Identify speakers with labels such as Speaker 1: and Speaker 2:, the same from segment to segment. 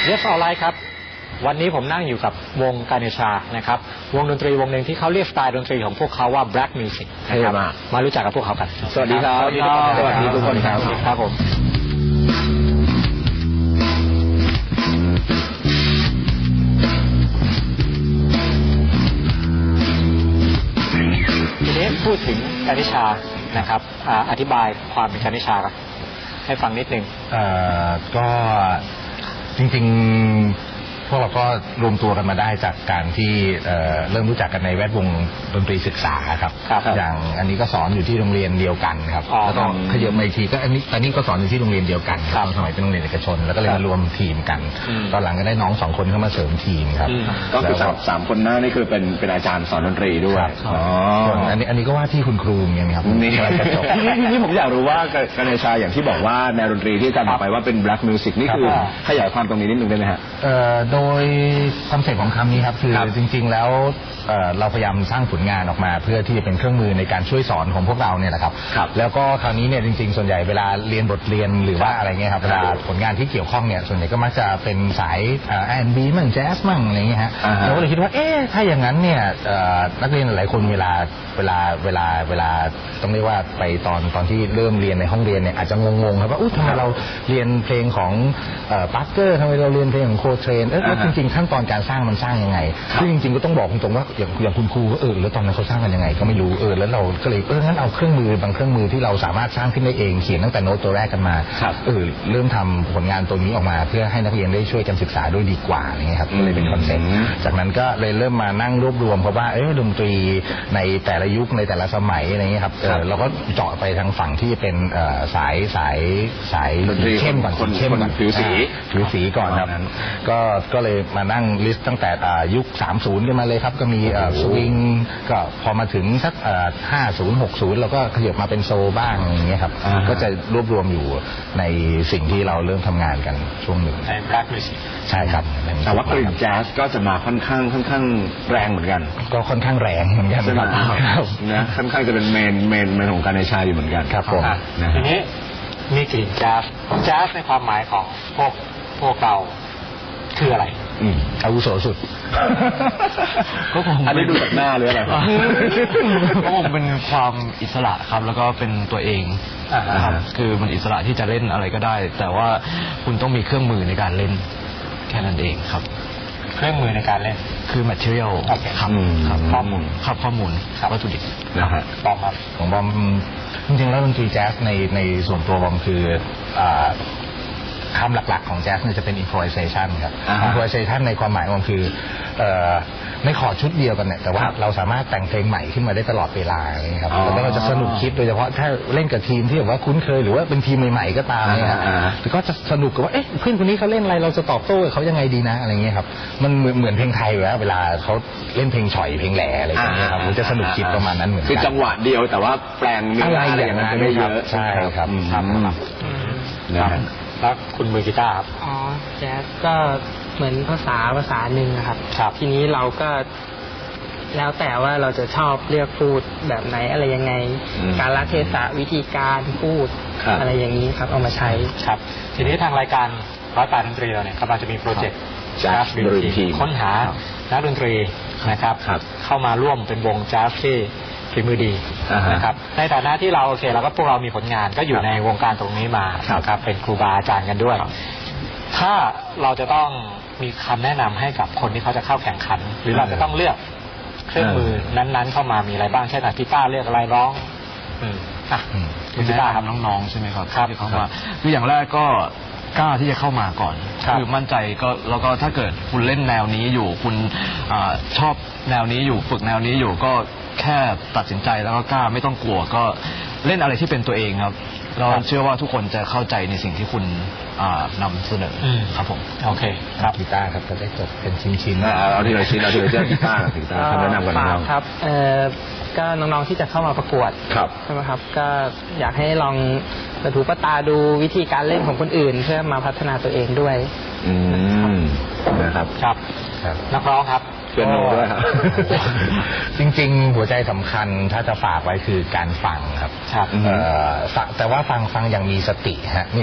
Speaker 1: Yes Alright ครับวันนี้ผมนั่งอยู่กับวงกาเนชานะครับวงดนตรีวงหนึ่งที่เขาเรียกสไตล์ดนตรีของพวกเขาว่า Black Music นะครับมารู้จักกับพวกเขากัน
Speaker 2: สวัสดีครับสวัสดีทุกคนครับ
Speaker 1: ครับผมทีนี้พูดถึงกาเนชานะครับอธิบายความเป็นกาเนชาครับให้ฟังนิดนึง
Speaker 2: ก็จริงๆพวกเราก็รวมตัวกันมาได้จากการที่เริ่มรู้จักกันในแวดวงดนตรีศึกษาครับอย่างอันนี้ก็สอนอยู่ที่โรงเรียนเดียวกันครับแล้วก็ขยับมาอีกทีก็อันนี้ก็สอนอยู่ที่โรงเรียนเดียวกันตอนสมัยเป็นโรงเรียนเอกชนแล้วก็เลยมารวมทีมกันตอนหลังก็ได้น้อง2 คนเข้ามาเสริมทีมครับ
Speaker 3: ก็คือ3 คนหน้านี่คือเป็นอาจารย์สอนดนตรีด้วย
Speaker 2: ส่วนอันนี้ก็ว่าที่คุณครูอย่างนี้ครับ
Speaker 3: นี่นี่ผมอยากรู้ว่ากาเนชาอย่างที่บอกว่าแนวดนตรีที่อาจารย์บอกไปว่าเป็น Black Music นี่คือขยายความตรงนี้นิดนึงได้ไหมฮะ
Speaker 2: โดยคอนเซ็ปต์ของคำนี้ครับคือจริงๆแล้วเราพยายามสร้างผลงานออกมาเพื่อที่จะเป็นเครื่องมือในการช่วยสอนของพวกเราเนี่ยแหละครับแล้วก็คราวนี้เนี่ยจริงๆส่วนใหญ่เวลาเรียนบทเรียนหรือว่าอะไรเงี้ยครับเวลาผลงานที่เกี่ยวข้องเนี่ยส่วนใหญ่ก็มักจะเป็นสายR&B มั่งแจ๊สมั่งอะไรเงี้ยฮะเราก็เลยคิดว่าถ้าอย่างนั้นเนี่ยนักเรียนหลายคนเวลาต้องเรียกว่าไปตอนที่เริ่มเรียนในห้องเรียนเนี่ยอาจจะงงๆครับว่าทำไมเราเรียนเพลงของปาร์เกอร์ทำไมเราเรียนเพลงของโคเทรนแล้วจริงๆขั้นตอนการสร้างมันสร้างยังไงซึ่งจริงๆก็ต้องบอกตรงๆว่าอย่างคุณครูแล้วตอนนั้นเขาสร้างกันยังไงก็ไม่รู้แล้วเราก็เลยงั้นเอาเครื่องมือบางเครื่องมือที่เราสามารถสร้างขึ้นได้เองเขียนตั้งแต่โน้ตตัวแรกกันมาเริ่มทำผลงานตัวนี้ออกมาเพื่อให้นักเรียนได้ช่วยกันศึกษาด้วยดีกว่าอย่างเงี้ยครับก็เลยเป็นคอนเซ็ปต์จากนั้นก็เลยเริ่มมานั่งรวบรวมเพราะว่าดนตรีในแต่ละยุคในแต่ละสมัยอะไรเงี้ยครับเราก็เจาะไปทางฝั่งที่เป็นสายเข้มก่อนเข้มก่อน
Speaker 3: ผิว
Speaker 2: สีก่อนครับก็เลยมานั่งลิสต์ตั้งแต่ยุค30กันมาเลยครับก็มีสวิงก็พอมาถึงสัก50 60เราก็ขยับมาเป็นโซบ้างอย่างเงี้ยครับก็จะรวบรวมอยู่ในสิ่งที่เราเริ่มทำงานกันช่วงหนึ่ง
Speaker 1: ใน Black Music
Speaker 2: ใช่ครับ
Speaker 3: แต่ว่ากลิ่นแจ๊สก็จะมาค่อนข้างแรงเหมือนกัน
Speaker 2: ก็ค่อนข้างแรงเหมือนกัน
Speaker 3: ครับนะค่อนข้างจะเป็นเมนของการในชาอยู่เหมือนกัน
Speaker 2: ครับผม
Speaker 1: ทีนี้มีกลิ่นแจ๊สในความหมายของพวกเราคืออะไร
Speaker 2: อาวุโสสุด
Speaker 3: ก็ผมอันนี้ดูจากหน้าหรืออะไร
Speaker 4: ก็ผมเป็นความอิสระครับแล้วก็เป็นตัวเองครับคือมันอิสระที่จะเล่นอะไรก็ได้แต่ว่าคุณต้องมีเครื่องมือในการเล่นแค่นั้นเองครับ
Speaker 1: เครื่องมือในการเล่น
Speaker 4: คือ material ครับข้อมูลวัตถุดิบ
Speaker 3: นะฮะ
Speaker 1: บอมครับ
Speaker 2: ของบอมจริงๆแล้วดนตรีแจ๊สในส่วนตัวบอมคือคำหลักๆของแจ๊สเนี่ยจะเป็น improvisation ครับ improvisation ในความหมายมันคือในคอร์ดชุดเดียวกันเนี่ยแต่ว่าเราสามารถแต่งเพลงใหม่ขึ้นมาได้ตลอดเวลาอะไรเงี้ยครับแล้วเราจะสนุกคิดโดยเฉพาะถ้าเล่นกับทีมที่แบบว่าคุ้นเคยหรือว่าเป็นทีมใหม่ๆก็ตามเนี่ยแต่ก็จะสนุกกับว่าเพื่อนคนนี้เขาเล่นอะไรเราจะตอบโต้เขายังไงดีนะอะไรเงี้ยครับมันเหมือนเพลงไทยอยู่แล้วเวลาเขาเล่นเพลงฉ่อยเพลงแหล่อะไรอย่างเงี้ยครับมันจะสนุกคิดประมาณนั้นเหมือนกัน
Speaker 3: คือจังหวะเดียวแต่ว่าแปลงเนื้ออะไรอย่างนั้นไม่เยอะ
Speaker 2: ใช่ครับ
Speaker 1: แล้วคุณมือกีตาร์ครับ
Speaker 5: แจ๊สก็เหมือนภาษาหนึ่งครับทีนี้เราก็แล้วแต่ว่าเราจะชอบเลือกพูดแบบไหนอะไรยังไงการละเทศะวิธีการพูดอะไรอย่างนี้ครับเอามาใช้
Speaker 1: ครับทีนี้ทางรายการ108ดนตรีเราเนี่ยกำลังจะมีโปรเจกต์Jazz Dream Team ค้นหานักดนตรีนะครับเข้ามาร่วมเป็นวงแจ๊สที่ฝีมือดีนะครับในฐานะที่เราเราก็พวกเรามีผลงานก็อยู่ในวงการตรงนี้มาครับเป็นครูบาอาจารย์กันด้วยถ้าเราจะต้องมีคำแนะนำให้กับคนที่เขาจะเข้าแข่งขันหรือเราจะต้องเลือกเครื่องมือนั้นๆเข้ามามีอะไรบ้างเช่นกีตาร์เลือกอะไรร้อง
Speaker 4: คุณกีตาร์ทำน้องๆใช่ไหมครับที่เข้ามาคืออย่างแรกก็กล้าที่จะเข้ามาก่อนคือมั่นใจก็แล้วก็ถ้าเกิดคุณเล่นแนวนี้อยู่คุณชอบแนวนี้อยู่ฝึกแนวนี้อยู่ก็แค่ตัดสินใจแล้วก็กล้าไม่ต้องกลัวก็เล่นอะไรที่เป็นตัวเองครับเราเชื่อว่าทุกคนจะเข้าใจในสิ่งที่คุณนำเสนอครับผม
Speaker 1: โอเคครับ
Speaker 2: กีตาร์ครับจะได้จบเป็นชิ้นๆ
Speaker 3: เอาที่เราชิ้นเอาที่เราเจอกีตาร์คำแนะนำกันน้อง
Speaker 5: ครับก็น้องๆที่จะเข้ามาประกวดใช่ไหมครับก็อยากให้ลองกระถูปตาดูวิธีการเล่นของคนอื่นเพื่อมาพัฒนาตัวเองด้วย
Speaker 3: นะครับ
Speaker 1: นักร้องครับ
Speaker 3: เปียโนด้วยครับ
Speaker 2: จริงๆหัวใจสำคัญถ้าจะฝากไว้คือการฟังครับแต่ว่าฟังอย่างมีสติฮะนี่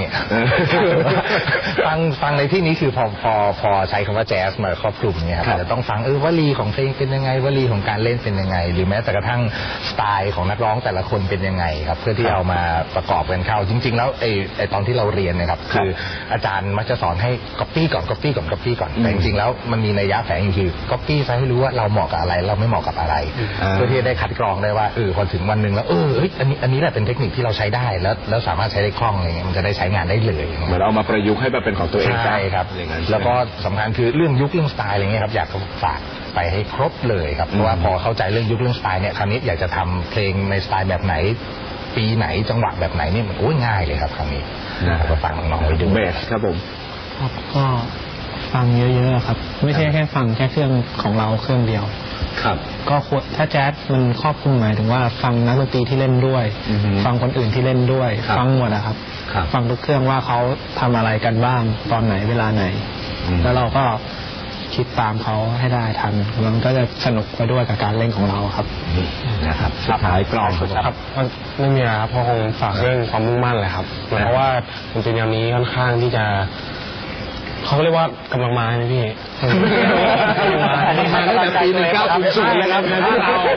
Speaker 2: ฟังในที่นี้คือพอใช้คำว่าแจ๊สมาครอบคลุมเนี่ยครับจะต้องฟังวลีของเพลงเป็นยังไงวลีของการเล่นเป็นยังไงหรือแม้แต่กระทั่งสไตล์ของนักร้องแต่ละคนเป็นยังไงครับเพื่อที่เอามาประกอบกันเข้าจริงๆแล้วไอ้ตอนที่เราเรียนเนี่ยครับคืออาจารย์มักจะสอนให้ copy ก่อน copy ก่อน copy ก่อนแต่จริงๆแล้วมันมีนัยยะแฝงอยู่คือ copy ซะให้รู้ว่าเราเหมาะกับอะไรเราไม่เหมาะกับอะไรเพื่อที่จะได้คัดกรองได้ว่าพอถึงวันหนึ่งแล้วอันนี้แหละเป็นเทคนิคที่เราใช้ได้แล้วสามารถใช้ได้คล่องอะไรเงี้ยมันจะได้ใช้งานได้เลย
Speaker 3: เหมือนเอามาประยุกต์ให้แบบเป็นของตัวเอง
Speaker 2: ใช่ครับแล้วก็สำคัญคือเรื่องยุคเรื่องสไตล์อะไรเงี้ยครับอยากฝากไปให้ครบเลยครับเพราะว่าพอเข้าใจเรื่องยุคเรื่องสไตล์เนี่ยคราวนี้อยากจะทำเพลงในสไตล์แบบไหนปีไหนจังหวะแบบไหนนี่มันง่ายเลยครับคราวนี้ก็ฟังน้องๆไว้ดู
Speaker 3: เบสครับผม
Speaker 5: ก็ฟังเยอะๆครับไม่ใช่แค่ฟังแค่เครื่องของเราเครื่องเดียว
Speaker 3: ครับ
Speaker 5: ก็ถ้าแจ๊สมันครอบคลุมหมายถึงว่าฟังนักดนตรีที่เล่นด้วยฟังคนอื่นที่เล่นด้วยฟังหมดนะครับฟังทุกเครื่องว่าเขาทำอะไรกันบ้างตอนไหนเวลาไหนแล้วเราก็คิดตามเขาให้ได้ทันมันก็จะสนุกไปด้วยกับการเล่นของเราครับ
Speaker 3: นะครับสุดท้ายกลอง
Speaker 6: ครับไม่มีอะไรครับเพราะคงฝากเรื่องความมุ่งมั่นแหละครับเพราะว่าดนตรีแนวนี้ค่อนข้างที่จะเขาเรียกว่ากำลังมาไหมพี่
Speaker 3: อันนี้มาตั้งแต่ปี1900เลยครับในบ้านเรา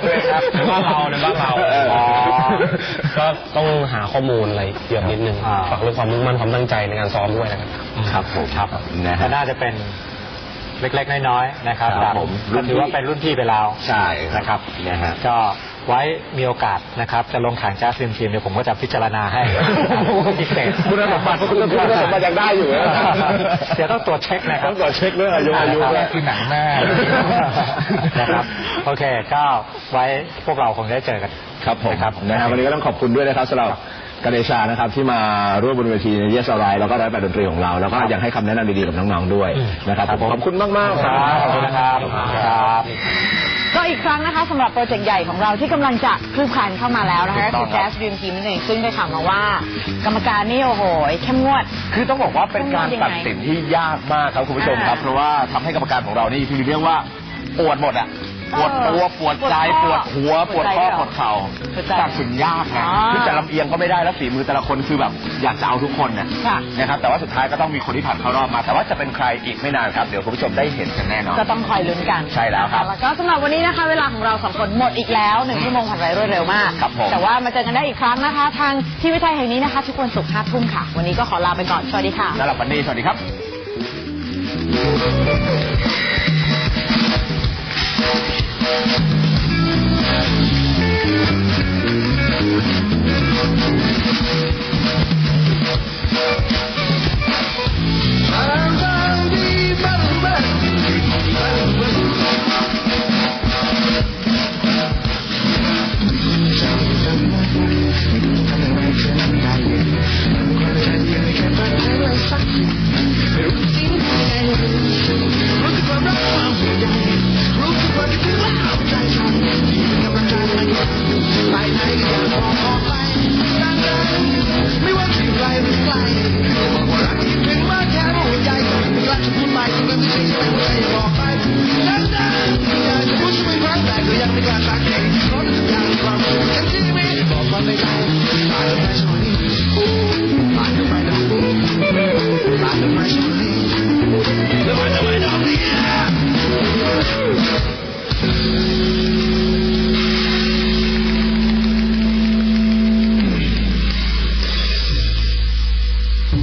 Speaker 6: ก็ต้องหาข้อมูลอะไรเยอะนิดนึงฝากเรื่องความมุ่งมั่นความตั้งใจในการซ้อมด้วยนะครับ
Speaker 3: ครับผมครับ
Speaker 1: ก็น่าจะเป็นเล็กๆน้อยๆนะครับผมถือว่าเป็นรุ่นพี่ไปแล้ว
Speaker 3: ใช่
Speaker 1: นะครับก็ไว้มีโอกาสนะครับจะลงแข่งแจ๊สทีมเดี๋ยวผมก็จะพิจารณาให้พิเศษ
Speaker 3: คุณสมบัติยังได้อยู่
Speaker 1: เดี๋ยวต้องตรวจเช็คนะครับ
Speaker 3: ต้องตรวจเช็คเรื่องอายุ
Speaker 2: คือหนังหน้า
Speaker 1: นะครับโอเคก็ไว้พวกเราคงได้เจอกัน
Speaker 3: ครับผมวันนี้ก็ต้องขอบคุณด้วยนะครับสำหรับกเดชานะครับที่มาร่วมบนเวทีในเยสอะไรแล้วก็ร้อยแปดดนตรีของเราแล้วก็ยังให้คำแนะนำดีๆกับน้องๆด้วยนะครับขอบคุณมากๆ
Speaker 1: ครับขอบคุณนะครับ
Speaker 7: ก็อีกครั้งนะคะสำหรับโปรเจกต์ใหญ่ของเราที่กำลังจะคลืบคลานเข้ามาแล้วนะคะคือ Jazz Dream Team นั่นเองซึ่งได้ข่าวมาว่ากรรมการนี่โอ้โหเข้มงวด
Speaker 3: คือต้องบอกว่าเป็นการตัดสินที่ยากมากครับคุณผู้ชมครับเพราะว่าทำให้กรรมการของเรานี่ที่เรียกว่าปวดหมดอะปวดตัวปวดใจปวดหัวปวดข้อปวดเข่าตัดสินยากนะคือจะลำเอียงก็ไม่ได้แล้วฝีมือแต่ละคนคือแบบอยากจะเอาทุกคนนะครับแต่ว่าสุดท้ายก็ต้องมีคนที่ผ่านเข้ารอบมาแต่ว่าจะเป็นใครอีกไม่นานครับเดี๋ยวคุณผู้ชมได้เห็นกันแน่นอน
Speaker 7: ก็ต้องคอยลุ้นกัน
Speaker 3: ใช่แล้วครับ
Speaker 7: แล้วก็สำหรับวันนี้นะคะเวลาของเราสองคนหมดอีกแล้ว1 ชั่วโมงผ่านไปรวดเร็วมากแต่ว่ามาเจอกันได้อีกครั้งนะคะทางที่วิทยแห่งนี้นะคะทุกวันศุกร์ 5 ทุ่มค่ะวันนี้ก็ขอลาไปก่อนสวัสดีค่ะ
Speaker 3: แล้วหลับวันนี้สวัสดีครับ